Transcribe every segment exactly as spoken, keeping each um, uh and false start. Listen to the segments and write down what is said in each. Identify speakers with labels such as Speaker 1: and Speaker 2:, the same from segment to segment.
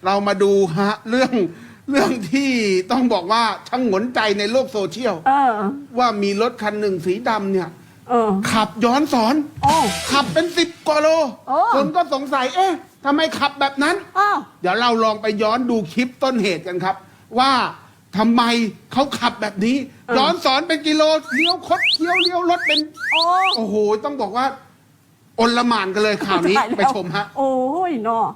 Speaker 1: เรามาดูฮะเรื่องเรื่องที่ต้องบอกว่าช่างหงนใจในโลกโซเชียลว่ามีรถคันหนึ่งสีดำเนี่ยขับย้อนสอนขับเป็นสิบกว่าโลคนก็สงสัยเอ๊ะทำไมขับแบบนั้นเดี๋ยวเราลองไปย้อนดูคลิปต้นเหตุกันครับว่าทำไมเขาขับแบบนี้ย้อนสอนเป็นกิโลเลี้ยวคดเลี้ยวเลี้ยวรถเป็นโอ้โหต้องบอกว่าอลหม่านกันเลยข่าวนี้ไปชมฮะ
Speaker 2: โอ้ยเนาะ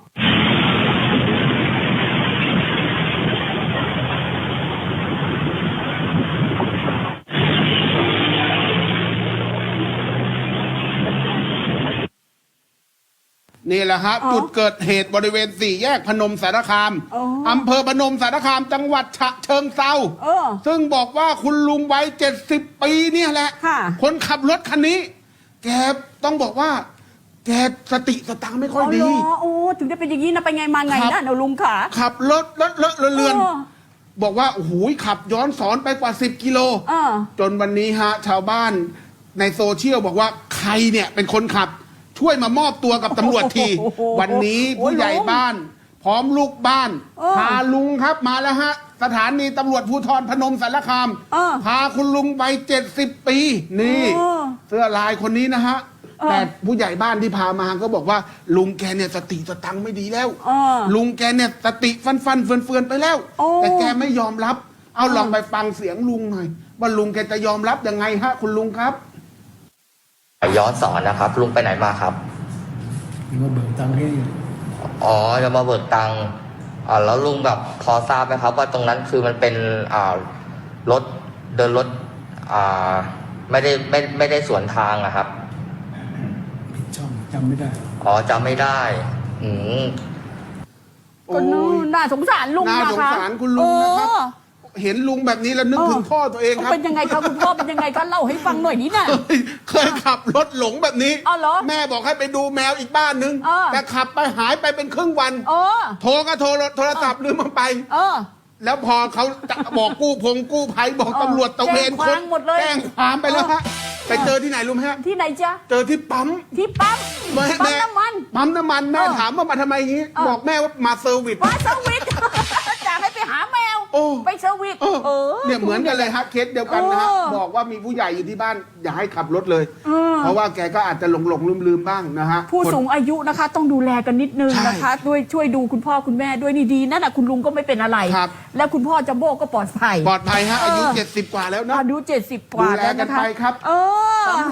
Speaker 1: นี่แหละฮะจุดเกิดเหตุบริเวณสี่แยกพนมสารคามอำเภอพนมสารคามจังหวัดฉะเชิงเทราซึ่งบอกว่าคุณลุงวัยเจ็ดสิบปีเนี่ยแหละคนขับรถคันนี้แกต้องบอกว่าแกสติสตังค์ไม่ค่อยดี
Speaker 2: โอ้ถึงได้เป็นอย่างนี้นะไปไงมาไงนะเนาะลุงขา
Speaker 1: ขับรถเลอะเลอะเลือนบอกว่าโอ้โหขับย้อนสอนไปกว่าสิบกิโลจนวันนี้ฮะชาวบ้านในโซเชียลบอกว่าใครเนี่ยเป็นคนขับช่วยมามอบตัวกับตำรวจทีวันนี้ผู้ใหญ่บ้านพร้อมลูกบ้านพาลุงครับมาแล้วฮะสถานีตำรวจภูธรพนมสารคามพาคุณลุงวัยเจ็ดสิบปีนี่เสื้อลายคนนี้นะฮะแต่ผู้ใหญ่บ้านที่พามาก็บอกว่าลุงแกเนี่ยสติสตังค์ไม่ดีแล้วลุงแกเนี่ยสติฟันฟันเฟือนเฟือนไปแล้วแต่แกไม่ยอมรับเอาลองไปฟังเสียงลุงหน่อยว่าลุงแกจะยอมรับยังไงฮะคุณลุงครับ
Speaker 3: ย้อนสอนนะครับลุงไปไหนมาครับ
Speaker 4: มาเบิกตังค์ให้
Speaker 3: อ๋อจะมาเบิกตังค์อ่าแล้วลุงแบบพอทราบไหมครับว่าตรงนั้นคือมันเป็นอ่ารถเดินรถอ่าไม่ได้ไม่ไม่ได้สวนทางอะครับ
Speaker 4: ผิดช่องจำไม่ได้
Speaker 3: อ๋อจำไม่ได้อืม
Speaker 2: ก็น่าสงสารลุง
Speaker 1: นะคะน่าสงสารคุณลุงนะครับเห็นลุงแบบนี้แล้วนึกถึงพ่อตัวเองครับ
Speaker 2: เป็นยังไงครับคุณพ่อเป็นยังไงก็เล่าให้ฟังหน่อยนิดน่ะ
Speaker 1: เคยขับรถหลงแบบนี้แม่บอกให้ไปดูแมวอีกบ้านนึงแต่ขับไปหายไปเป็นครึ่งวันโทรก็โทรโทรศัพท์ลืมมันไปแล้วพอเขาจะบอกกู้พงกู้ภัยบอกตำรวจตะเวนคนแจ้งความไปแล้วฮะไปเจอที่ไหนรู้ไหมฮะ
Speaker 2: ที่ไหนจ๊ะ
Speaker 1: เจอที่ปั๊ม
Speaker 2: ที่ปั๊มปั๊มน้ำมัน
Speaker 1: ปั๊มน้ำมันแม่ถามว่ามาทำไมงี้บอกแม่ว่ามาเซอร์วิส
Speaker 2: มาเซอร์วิสจะให้ไปหาแมวไปเซอร์วิส
Speaker 1: เนี่ยเหมือนกันเลยฮะเคสเดียวกันนะฮะบอกว่ามีผู้ใหญ่อยู่ที่บ้านอย่าให้ขับรถเลยเพราะว่าแกก็อาจจะหลงหลงลืมลืมบ้างนะฮะ
Speaker 2: ผู้สูงอายุนะคะต้องดูแลกันนิดนึงนะคะด้วยช่วยดูคุณพ่อคุณแม่ด้วยนี่ดีนั่นแหะคุณลุงก็ไม่เป็นอะไรแล้วคุณพ่อจัมโบ้ก็ปลอดภัย
Speaker 1: ปลอดภัยฮะอายุเจ็ดสิบกว่าแล้วนะ
Speaker 2: อายุเจ็ดสิบกว่าแล้วนะคะ
Speaker 1: ดูแลกันไปครับ